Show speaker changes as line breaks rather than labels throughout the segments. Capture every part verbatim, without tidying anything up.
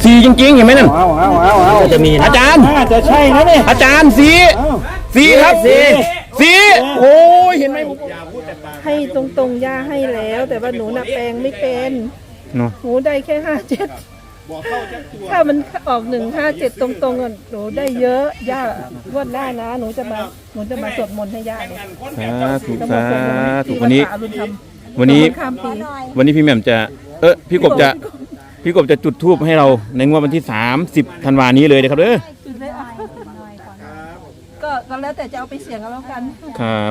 สีจริงๆเห็นไหมนั่น
เอาเอาเอาเอาจะมี
อาจารย์
จะใช่นะเนี่ย
อาจารย์สีสีครับสีสีโอ้ยเห็นไหม
ให้ตรงๆย่าให้แล้วแต่ว่าหนูน่ะแปลงไม่เป็นหนูได้แค่ห้าเจ็ดถ้ามันออกหนึ่งห้าเจ็ดตรงๆอ่ะหนูได้เยอะย่างวดหน้านะหนูจะมาหนูจะมาสวดมนต์ให้ย่าเลย
สาธุสาธุวันนี้วันนี้วันนี้พี่แหม่มจะเออพี่กบจะพี่กบจะจุดธูปให้เราในงวดวันที่สามสิบธันวานี้เลยนะครับเด้อ
ก็ก็แล้วแต่จะเอาไปเสี่ยงกันแล้วกัน
ครับ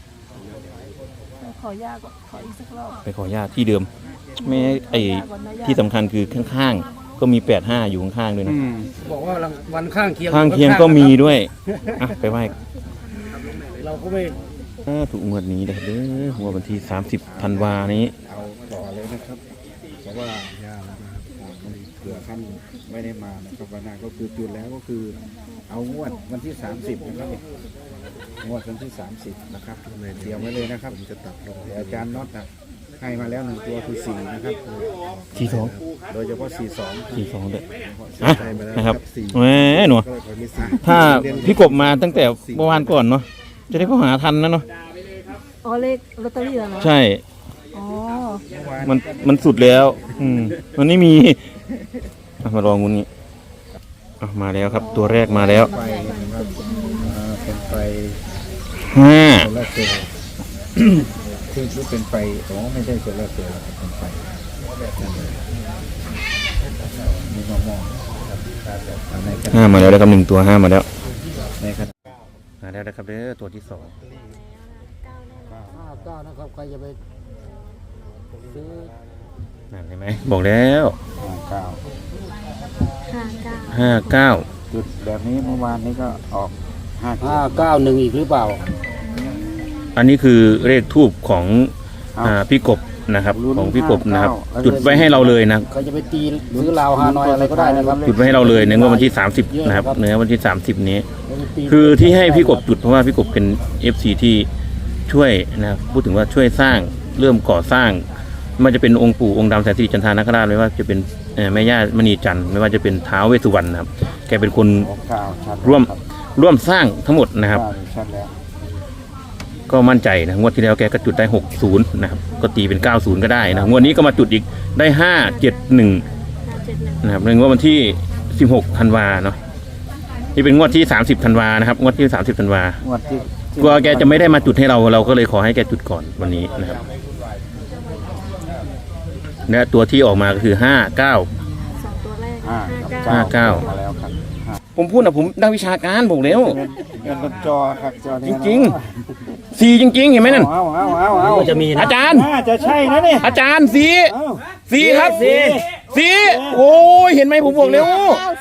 ขอย่าก็ขออีกสักรอบ
ไปขอย่าที่เดิมไม่ไอที่สำคัญคือข้างๆก็มีแปดห้าอยู่ข้างๆด้วยนะ
บอกว่าวันข้างเคียง
ข้างเคียงก็มีด้วยอ่ะไปไหว้
เราก็ไม่
ถูกงวดนี้นะครับเด้องวดวันที่สามสิบธันวานี้
เอาต่อเลยนะครับเพราะว่าย่านะครับเผื่อท่านไม่ได้มานะครับวันนั้นก็คือจุดแล้วก็คือเอางวดวันที่สามสิบนะครับงวดวันที่สามสิบนะครับเตรียมไว้เลยนะครับผมจะตัดลงอาจารย์น็อตนะให้มาแล้วหนึ่งตัวคือสี่นะครับ
สี่สอง
โดยเฉพาะสี่สอง
สี่สองเด็ดอ่ะนะครับแหมหนูถ้าพี่กบมาตั้งแต่เมื่อวานก่อนเนาะจะได้เข้าหาทันนะเนาะ
อ๋อเลขลอตเตอรี่เหรอ
ใช่
อ๋อ
มันมันสุดแล้วอืมมันไม่มีมาลองงูนี้มาแล้วครับตัวแรกมาแล้ว
ไฟนะครับเป็นไฟ
ห้า
โซลาร์เซลล์ซึ่งเป็นไฟอ๋อไม่ใช่โซลาร์เซลล์เป็นไฟมีมะม่วง
ห้ามาแล้วนะครับหนึ่งตัวห้ามาแล้วมาแล้วนะครับเด้อตัวที่สอง
ห้าเก้านะครับใครจะไปซื้อ
นั่นเห็นไหมบอกแล้ว
ห้าเก้า
ห้าเก้า
จุดแบบนี้เมื่อวานนี้ก็ออก
ห้าเก้าหนึ่งอีกหรือเปล่า
อันนี้คือเลขทูบของพี่กบนะครับของพี่กบนะครับจุดไว้ให้เราเลยนะ
เขาจะไปตีซื้อลาวฮานอยอะไรก็ได้นะครับ
จุดไว้ให้เราเลยในงวดวันที่สามสิบนะครับเนื้อวันที่สามสิบนี้คือที่ให้พี่กบจุดเพราะว่าพี่กบเป็น เอฟ ซี ที่ช่วยนะพูดถึงว่าช่วยสร้างเริ่มก่อสร้างไม่ว่าจะเป็นองค์ปู่องค์ดำแสนสิริจันทานาคราชไม่ว่าจะเป็นแม่ย่ามณีจันทร์ไม่ว่าจะเป็นท้าวเวสสุวรรณนะครับแกเป็นคนร่วมร่วมสร้างทั้งหมดนะครับก็มั่นใจนะงวดที่แล้วแกก็จุดได้หกสิบนะครับก็ตีเป็นเก้าสิบก็ได้นะงวดนี้ก็มาจุดอีกได้ห้าเจ็ดหนึ่งนะครับในงวดวันที่สิบหกธันวาเนาะนี่เป็นงวดที่สามสิบธันวานะครับงวดที่สามสิบธันวางวดที่กลัวแกจะไม่ได้มาจุดให้เราเราก็เลยขอให้แกจุดก่อนวันนี้นะครับและตัวที่ออกมาก็คือห้าเก้า
สองตัวแรก
ห้าเก้าผมพูดนะผมนักวิชาการบอกแล้ว
จอครับจอ
จริงๆสีจริงๆเห็นไหมนั่น
เอาเอาเอาเอา
จะมีอาจารย์
จะใช่นะเนี่ย
อาจารย์สีสีครับสีสีโอ้ยเห็นไหมผมบอกแล้ว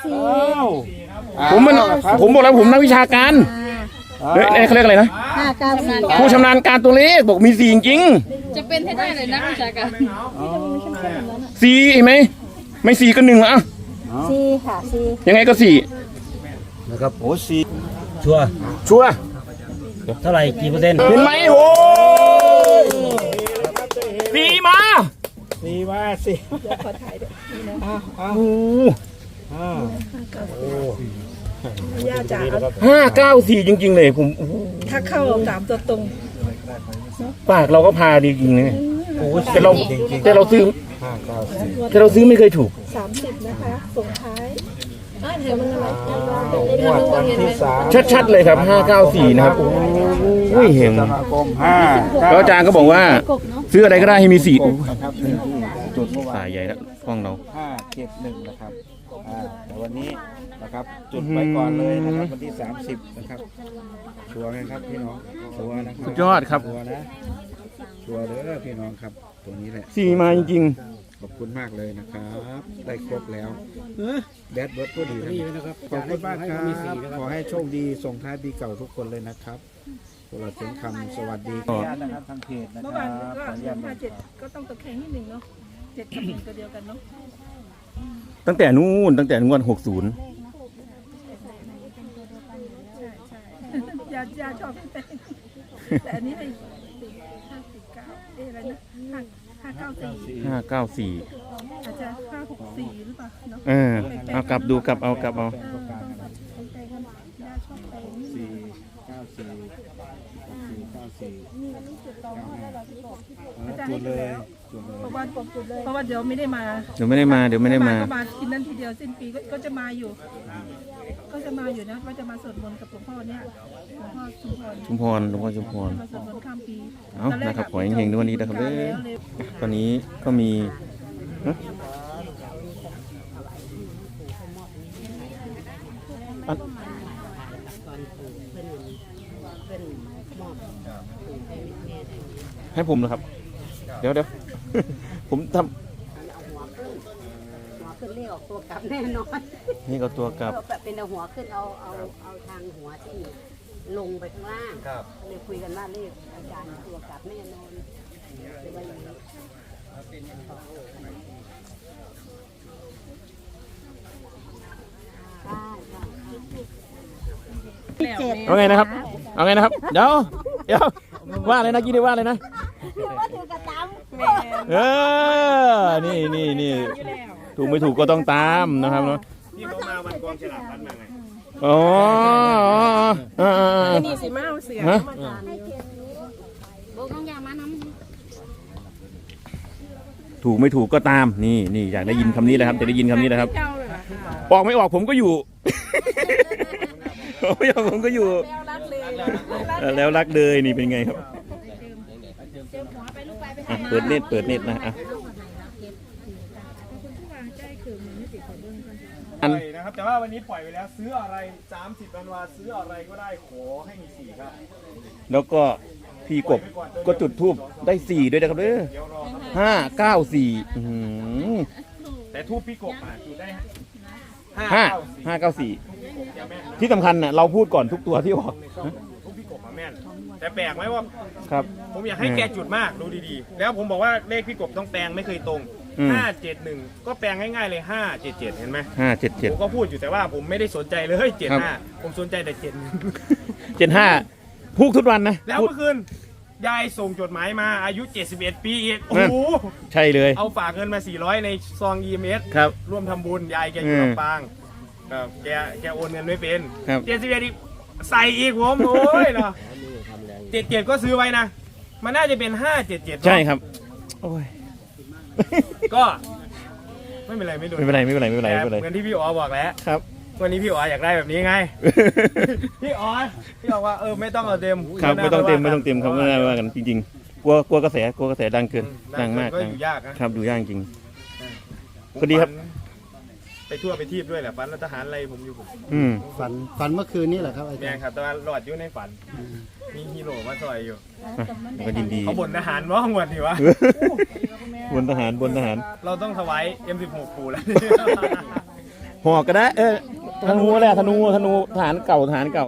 ผมมันผมบอกแล้วผมนักวิชาการเฮ้ยเขาเรียกอะไรนะผู้ชำนาญการตัวเลขบอกมีสีจริง
จะเป็นให้ได้เลยนักวิชาการ
สีเห็นไหมไม่สีก็หนึ่งละ
สีค่ะสี
ยังไงก็สี่
นะครับโอ้สีชัว
ชัว
เท่าไหร่กี่เปอร์เซ็นต์
เห็นไหมโอ้สีมา
สีมาสิ
เดี๋ยวขอถ่ายด้วยนี่นะ
อ้าวอ้าว
ย่าจ๋า
ห้าเก้าสี่จริงๆเลยผม
ถ้าเข้าสามตัวตรง
ปากเราก็พาดีจริงเลยแต่เราแต่เราซื้อแต่เราซื้อไม่เคยถูก
สามสิบนะคะส่งท้าย
ชัดๆเลยครับห้าเก้าสี่นะครับโอ้ยเห็นแล้วอาจารย์ก็บอกว่าซื้ออะไรก็ได้ให้มีสี่จุดสายใหญ่แล้วกล้องเรา
ห้าเจ็ดหนึ่งนะครับแต่วันนี้นะครับจุดไว้ก่อนเลยนะครับวันที่สามสิบนะครับชัวร์ไหมครับพี่น้องชัวร์นะครับ
สุดยอดครับ
ชัวร์นะชัวร์เด้อพี่น้องครับตัวนี้แหละ
สี่มาจริง
ขอบคุณมากเลยนะครับได้ครบแล้วแบดเบิร์ดก็ดีนะครับขอบคุณมากครับขอให้โชคดีส่งท้ายปีเก่าทุกคนเลยนะครับตลอดเสียงคำสวัสดีนะครับทางเพจนะครับ
เมื่อวานก็ห้าเจ็ดก็ต้องตะแคงนิดหนึ่งเนาะเจ็ดกับหนึ่งตัวเดียวกันเนาะ
ตั้งแต่นู้นตั้งแต่งวดหกศูนย์
ยายาชอบแต่อันนี้ให้ห้าสี่เก้าเอ๊ะอะไรนะห้าห้าเก้าสี่
ห้าเก้าสี่
อาจจะห้าหกสี่หรือเปล่าเนาะ
เออเอากลับดูกลับเอากลับเอา
เออต้องแบบแปลงกันย่าชอบแปลงนี่
สี่เก้าสี่สี่เก้าสี่
นี่มันจุดตองให้เราที่บอกที่
จุดเลยจุดเลย
เพราะว่าผมจุดเลยเพราะว่าเดี๋ยวไม่ได้มา
เดี๋ยวไม่ได้มาเดี๋ยวไม่ได้มา
ก็มากินนั่นทีเดียวสิ้นปีก็ก็จะมาอยู่ ก็จะมาอยู่นะว่าจะมาสวดมนต์กับหลวงพ่อเนี่ยหลวงพ่อชุมพร
ชุมพรหลวงพ่อชุมพร
มาสวดมนต์ข้ามปี
เอานะครับขอให้เฮงๆในวันนี้นะครับเด้อตอนนี้ก็มีฮะอันให้ผมนะครับ เดี๋ยวเดี๋ยว ผมท
หัวขึ้นเลขออกตัวกลับแน่นอน
ำนี่ก็ตัวกลับ
แบบเป็นเอาหัวขึ้นเอาเอาเอาทางหัวที่ลงไปข้างล่างเลยคุยกันว่าเลขอาจารย์ตัวกลับแน่นอนเลยว่าอย่างนี้
เอาไงนะครับ เอาไงนะครับ เดี๋ยวเดี๋ยวว่าอะไรนะกี้ได้ว่าอะไรนะเออนี่นี่นี่ถูกไม่ถูกก็ต้องตามนะครับเนาะ
นี่เขามาวันกองฉลากพัดมาไง
อ๋ออ๋ออ๋อ
นี่สิมาเอาเสีย
ฮะ
บอกน้องยามาน้
ถูกไม่ถูกก็ตาม นี่นี่อยากได้ยินคำนี้เลยครับจะได้ยินคำนี้นะครับ
เจ้าเลยค่ะ
ออกไม่ออกผมก็อยู่ ออกไม่ออกผมก็อยู่
แล้วรักเลย
เออแล้วรักเลยนี่เป็นไงครับอ่ะเปิดเน็ตเปิดเน็ตนะอ่ะอัน
ปล่อยนะครับ แต่ว่าวันนี้ปล่อยไปแล้ว ซื้ออะไรสามสิบธันวาซื้ออะไรก็ได้ขอให้มีสี่ครับ
แล้วก็พี่กบก็จุดทูบได้สี่ด้วยนะครับเด้อ
เดี๋ยวรอครับ
ห้าเก้าสี่อื้อหือ
แต่ทูบพี่กบอ่ะจุดได้
ห้า
เก้าสี่
ห้าเก้าสี่
แกแม่นนะ
ที่สำคัญน่ะเราพูดก่อนทุกตัวที่ออก
ทูบพี่กบมาแม่น แต่แปลกไหมว่า
ครับ
ผมอยากให้แกจุดมากดูดีๆ แล้วผมบอกว่าเลขพี่กบต้องแปลงไม่เคยตรง
อืม
ห้าเจ็ดหนึ่งก็แปลงง่ายๆเลยห้าเจ็ดเจ็ดเห็นไหม
ห้าเจ็ดเจ็ด
ผมก็พูดอยู่แต่ว่าผมไม่ได้สนใจเลยเจ็ด
ครั
ห้า
บ
ผมสนใจแต่เจ็ด
เจ็ดห้าพูดทุกวันนะ
แล้ว
พูด
เมื่อคืนยายส่งจดหมายมาอายุเจ็ดสิบเอ็ดปีอีกโอ้โห
ใช่เลย
เอาฝากเงินมาสี่ร้อยในซอง อี เอ็ม เอส
ครับ
ร่วมทำบุญยายแกอยู่
อืม
ลำปางครับแกแกโอนเงินไม่เป็น
ครับ
เจ็ดสิบเอ็ดอีกใส่อีกผมโอ้ยเนาะเจ็ดเจ็ดก็ซื้อไว้นะ มันน่าจะเป็นห้าเจ็ดเจ็ด
ใช่ครับโอ้ย
ก็ไม่เป็นไรไม่โดน
ไม่เป็นไรไม่เป็นไรไม่เป็นไร
แต่
ไม่เป็นไร
เหมือนที่พี่อ๋อบอกแล้ว
ครับ
วันนี้พี่อ๋ออยากได้แบบนี้ไง พี่อ๋อพี่บอกว่าเออไม่ต้องเอาเต็ม
ครับไม่ต้องเต็ม
ห
ไม่
น้า
ต้องเต็มครับไม่ได้ว่ากันจริงๆกลัวกลัวกระแสกลัวกระแสดังเกิน
ดั
ดั
ง
ง
เกิน
มาก
ก็
ดัง
อยู่ยากนะครับ
ดูยากจริง
ผม
ก็ดีครับ
ฝันไปทั่วไปทีบด้วยแหละฝันรัฐทหารอะไรผมอยู่ผม
อืม
ฝันฝันเมื่อคืนนี้เหรอครับอา
แม่
จารย์
ครับแต่ว่าหลอดอยู่ในฝัน มีฮีโร่มาซอยอยู่
แล้วก็ยินดี
เขาบ่นทหารว่าหวดนี่วะ
บนทหารบนทหาร
เราต้องถวาย เอ็ม สิบหก ปูแล้ว
หอกก็ได้เออธนูแหละธนูธนูทหารเก่าทหารเก่า